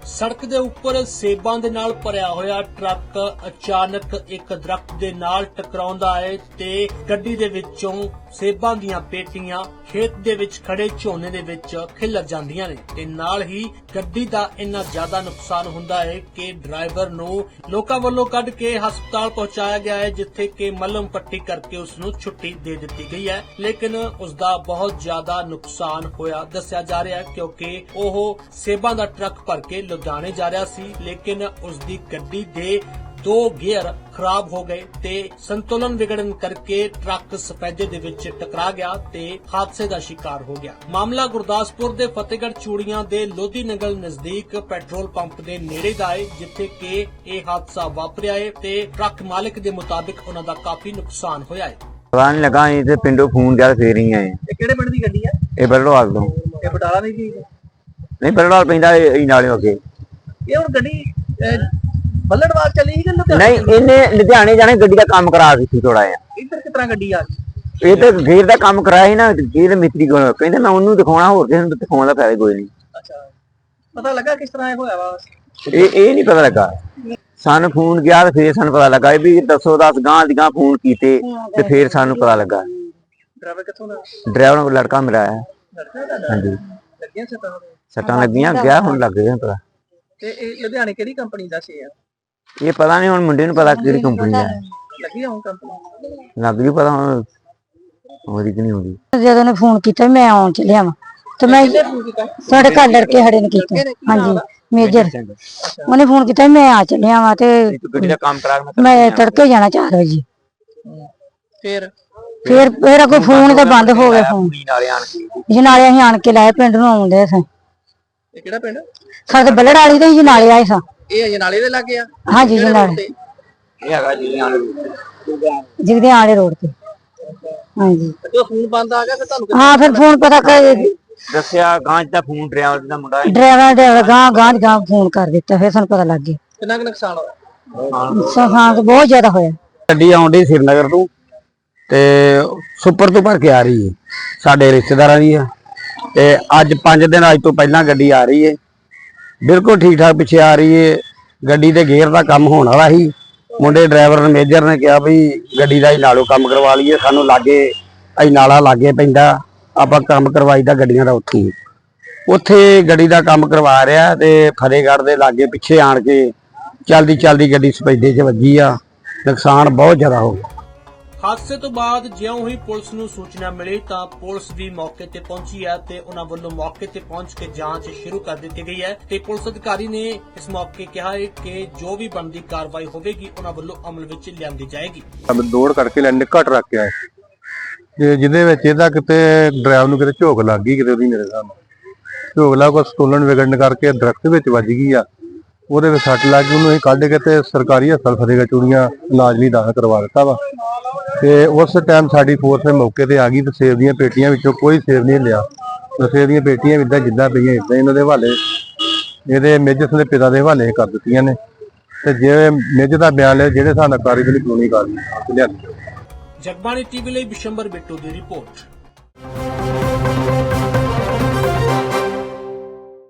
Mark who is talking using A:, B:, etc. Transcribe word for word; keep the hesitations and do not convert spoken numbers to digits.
A: सड़क के उपर सेबां दे नाल भरिया होया ट्रक अचानक एक दरख्त दे नाल टकराउंदा है ते गड्डी दे विचों सेबां दीयां पेटियां खेत दे विच खड़े झोने दे विच खिलर जांदियां ने ते नाल ही गड्डी दा इन्ना ज्यादा नुकसान हुंदा है कि ड्राइवर नूं लोकां वल्लों कढ के हस्पताल पहुंचाया गया है, जिथे कि मलम पट्टी करके उसनूं छुट्टी दे दित्ती गई है। लेकिन उसदा बहुत ज्यादा नुकसान होया दस्सिया जा रहा है, क्योंकि ओह सेबां दा ट्रक भर के लुधियाने जा रहा सी, लेकिन उसदी गड्डी दे दो गियर खराब हो गए ते संतुलन विगड़न करके ट्रक सफेदे दे विच टकरा गया ते हादसे दा शिकार हो गया। मामला गुरदासपुर दे फतेहगढ़ चूड़ियां दे लोधी नगल नजदीक पेट्रोल पंप दे नेड़े दा है, जिथे कि यह हादसा वापरिया है ते ट्रक मालिक दे मुताबिक उन्हां दा काफी नुकसान होया है।
B: पता नहीं लगा इधर पिंडों फोन ज्यादा फेर ही आए।
C: ਇਹ ਕਿਹੜੇ ਪਿੰਡ ਦੀ ਗੱਡੀ ਹੈ?
B: ਇਹ ਬਰੜਵਾਲ ਤੋਂ।
C: ਇਹ ਬਟਾਲਾ ਦੀ ਸੀ?
B: ਨਹੀਂ ਬਰੜਵਾਲ ਪੈਂਦਾ ਇਹ ਨਾਲੇ ਅੱਗੇ।
C: ਇਹ ਹੁਣ ਗੱਡੀ ਬੱਲੜਵਾਲ ਚੱਲੀ ਸੀ ਕਿ ਲੁਧਿਆਣੇ?
B: ਨਹੀਂ ਇਹਨੇ ਲੁਧਿਆਣੇ ਜਾਣੇ ਗੱਡੀ ਦਾ ਕੰਮ ਕਰਾ ਦਿੱਤੀ ਥੋੜਾ ਜਿਹਾ।
C: ਇੱਧਰ ਕਿਸ ਤਰ੍ਹਾਂ ਗੱਡੀ ਆ ਗਈ?
B: ਇਹ ਤੇ ਗੇਰ ਦਾ ਕੰਮ ਕਰਾਇਆ ਸੀ ਨਾ, ਗੇਰ ਮਿਸਤਰੀ ਕੋਲ ਕਹਿੰਦੇ ਮੈਂ ਉਹਨੂੰ ਦਿਖਾਉਣਾ, ਹੋਰ ਕਿਸੇ ਨੂੰ ਦਿਖਾਉਣ ਦਾ ਫਾਇਦਾ ਕੋਈ ਨਹੀਂ।
C: ਅੱਛਾ, ਪਤਾ ਲੱਗਾ ਕਿਸ ਤਰ੍ਹਾਂ ਇਹ ਹੋਇਆ ਵਾ?
B: ਇਹ ਇਹ ਨਹੀਂ ਪਤਾ ਲੱਗਾ, ਸਾਨੂੰ ਫੋਨ ਗਿਆ ਤੇ ਫੇਰ ਸਾਨੂੰ ਪਤਾ ਲੱਗਾ ਵੀ ਦੱਸੋ ਦਸ ਗਾਂ ਦੀ ਗਾਂ ਫੋਨ ਕੀਤੇ ਤੇ ਫੇਰ ਸਾਨੂੰ ਪਤਾ ਲੱਗਾ।
C: ਡਰਾਈਵਰ ਕਿੱਥੋਂ ਦਾ?
B: ਡਰਾਈਵਰ ਨੂੰ ਲੜਕਾ ਮਿਲਿਆ ਹੈ। ਹਾਂਜੀ
C: ਲੱਗੀਆਂ ਸੱਟਾਂ?
B: ਸੱਟਾਂ ਲੱਗੀਆਂ, ਗਿਆ ਹੁਣ ਲੱਗ ਗਿਆ ਪਤਾ।
C: ਤੇ ਇਹ ਲੁਧਿਆਣੇ ਕਿਹੜੀ ਕੰਪਨੀ ਦਾ ਸੀ?
B: ਇਹ ਪਤਾ ਨਹੀਂ, ਹੁਣ ਮੁੰਡੇ ਨੂੰ ਪਤਾ ਕਿਹੜੀ ਕੰਪਨੀ ਦਾ
C: ਲੱਗੀ ਆ ਹੁਣ ਕੰਪਨੀ?
B: ਲੱਗ ਜੂ ਪਤਾ ਹੁਣ ਹੋਰੀ ਕਿ ਨਹੀਂ ਹੋਰੀ।
D: ਜਦੋਂ ਨੇ ਫੋਨ ਕੀਤਾ ਮੈਂ ਆਉਣ ਚੱਲਿਆ ਵਾ ਤੇ ਮੈਂ ਸਾਡੇ ਘਰ ਲੜਕੇ ਖੜੇ ਨੇ ਕੀਤਾ। ਹਾਂਜੀ ਮੇਜਰ ਉਹਨੇ ਫੋਨ ਕੀਤਾ ਮੈਂ ਆ ਚੱਲਿਆ ਵਾ ਤੇ
B: ਗੱਡੀ ਦਾ ਕੰਮ ਕਰਾ ਕੇ
D: ਮੈਂ ਤੜਕੇ ਜਾਣਾ ਚਾਰ ਵਜੇ।
C: ਫਿਰ
D: ਫਿਰ ਫਿਰ ਅੱਗੋਂ ਫੋਨ ਤਾਂ ਬੰਦ ਹੋ ਗਿਆ। ਫੋਨ
B: ਨਾਲੇ ਆਣ ਕੇ
D: ਜਨਾਲੇ ਅਸੀਂ ਆਣ ਕੇ ਲਾਏ ਪਿੰਡ ਨੂੰ ਆਉਂਦੇ ਸਾਂ।
C: ਇਹ ਕਿਹੜਾ ਪਿੰਡ?
D: ਸਾਡੇ ਬੱਲੜ ਵਾਲੀ ਤੇ ਜਨਾਲੇ ਆਏ ਸਾਂ।
C: ਇਹ ਅਜਨਾਲੇ ਦੇ ਲੱਗੇ ਆ?
D: ਹਾਂਜੀ ਜਨਾਲੇ
B: ਇਹ ਹੈਗਾ ਜੀ ਆਣ
D: ਜਿਗਦੇ ਆਲੇ ਰੋਡ ਤੇ। ਹਾਂਜੀ
C: ਜਦੋਂ ਫੋਨ ਬੰਦ ਆ ਗਿਆ ਫਿਰ ਤੁਹਾਨੂੰ
D: ਹਾਂ ਫਿਰ ਫੋਨ ਪਤਾ ਕਰ
B: ਦੱਸਿਆ ਗਾਂ ਦਾ ਫੋਨ ਡਰਾਈਵਰ ਦਾ ਮੁੰਡਾ
D: ਡਰਾਈਵਰ ਡਰਾਈਵਰ ਗਾਂ ਗਾਂ ਗਾਂ ਫੋਨ ਕਰ ਦਿੱਤਾ, ਫਿਰ ਸਾਨੂੰ ਪਤਾ ਲੱਗ ਗਿਆ।
C: ਕਿੰਨਾ ਕੁ ਨੁਕਸਾਨ ਹੋਇਆ?
D: ਨੁਕਸਾਨ ਬਹੁਤ ਜ਼ਿਆਦਾ ਹੋਇਆ।
B: ਗੱਡੀ ਆਉਂਦੀ ਸ਼੍ਰੀਨਗਰ ਤੋਂ ਤੇ ਸੁਪਰ ਤੋਂ ਭਰ ਕੇ ਆ ਰਹੀ ਹੈ, ਸਾਡੇ ਰਿਸ਼ਤੇਦਾਰਾਂ ਦੀ ਆ ਤੇ ਅੱਜ ਪੰਜ ਦਿਨ ਅੱਜ ਤੋਂ ਪਹਿਲਾਂ ਗੱਡੀ ਆ ਰਹੀ ਹੈ, ਬਿਲਕੁਲ ਠੀਕ ਠਾਕ ਪਿੱਛੇ ਆ ਰਹੀ ਹੈ। ਗੱਡੀ ਦੇ ਗੇਅਰ ਦਾ ਕੰਮ ਹੋਣ ਵਾਲਾ ਸੀ, ਮੁੰਡੇ ਡਰਾਈਵਰ ਨੇ ਮੇਜਰ ਨੇ ਕਿਹਾ ਵੀ ਗੱਡੀ ਦਾ ਹੀ ਨਾਲੋਂ ਕੰਮ ਕਰਵਾ ਲਈਏ, ਸਾਨੂੰ ਲਾਗੇ ਅਸੀਂ ਨਾਲਾ ਲਾਗੇ ਪੈਂਦਾ, ਆਪਾਂ ਕੰਮ ਕਰਵਾਈਦਾ ਗੱਡੀਆਂ ਦਾ ਉੱਥੇ ਉੱਥੇ ਗੱਡੀ ਦਾ ਕੰਮ ਕਰਵਾ ਰਿਹਾ ਤੇ ਫਤਿਹਗੜ੍ਹ ਦੇ ਲਾਗੇ ਪਿੱਛੇ ਆਣ ਕੇ ਚਲਦੀ ਚਲਦੀ ਗੱਡੀ ਸਪੈਡੇ 'ਚ ਵੱਜੀ ਆ, ਨੁਕਸਾਨ ਬਹੁਤ ਜ਼ਿਆਦਾ ਹੋ ਗਿਆ।
A: हादसे तो बाद ज्यों ही पुलिस नूं सूचना मिली तां पुलिस भी मौके ते पहुंची है ते उन्हां वल्लों मौके ते पहुंच के जांच शुरू कर दी गई है ते पुलिस अधिकारी ने इस मौके कहा है कि जो भी बनदी कार्रवाई होगी उन्हां वल्लों अमल विच लिआंदी जाएगी।
E: दौड़ करके लैंड घट रख के आए ਤੇ ਜਿਹਦੇ ਵਿੱਚ ਇਹਦਾ ਕਿਤੇ ਡਰਾਈਵਰ ਨੂੰ ਕਿਤੇ ਝੋਕ ਲੱਗ ਗਈ, ਕਿਤੇ ਉਹਦੀ ਮੇਰੇ ਸਾਹਮਣੇ ਝੋਕ ਲੱਗ ਕੇ ਸਟੋਲਨ ਵਿਗੜਨ ਕਰਕੇ ਦਰਖਤ ਵਿੱਚ ਵੱਜ ਗਈ ਆ, ਉਹਦੇ ਵਿੱਚ ਸੱਟ ਲੱਗ ਗਈ। ਉਹਨੂੰ ਅਸੀਂ ਕੱਢ ਕੇ ਤੇ ਸਰਕਾਰੀ ਹਸਪਤਾਲ ਫਤਿਹਗੜ੍ਹ ਚੂੜੀਆਂ ਇਲਾਜ ਲਈ ਦਾਖਲ ਕਰਵਾ ਦਿੱਤਾ ਵਾ ਤੇ ਉਸ ਟਾਈਮ ਸਾਡੀ ਫੋਰਸ ਮੌਕੇ ਤੇ ਆ ਗਈ ਤੇ ਸੇਬ ਦੀਆਂ ਪੇਟੀਆਂ ਵਿੱਚੋਂ ਕੋਈ ਸੇਬ ਨਹੀਂ ਲਿਆ। ਸੇਬ ਦੀਆਂ ਪੇਟੀਆਂ ਇਦਾਂ ਜਿੱਦਾਂ ਪਈਆਂ ਇਦਾਂ ਇਹਨਾਂ ਦੇ ਹਵਾਲੇ, ਇਹਦੇ ਮੇਜਰ ਦੇ ਪਿਤਾ ਦੇ ਹਵਾਲੇ ਕਰ ਦਿੱਤੀਆਂ ਨੇ ਤੇ ਜੇ ਮੇਜਰ ਦਾ ਬਿਆਨ ਲਿਆ ਜਿਹੜੇ ਹਿਸਾਬ ਨਾਲ ਕਾਰਵਾਈ ਕਾਨੂੰਨੀ ਕਾਰਵਾਈ ਲਿਆਂਦੀ।
A: ਜਗਬਾਣੀ ਟੀਵੀ ਲਈ ਬਿਸ਼ੰਬਰ ਬਿੱਟੂ ਦੀ ਰਿਪੋਰਟ।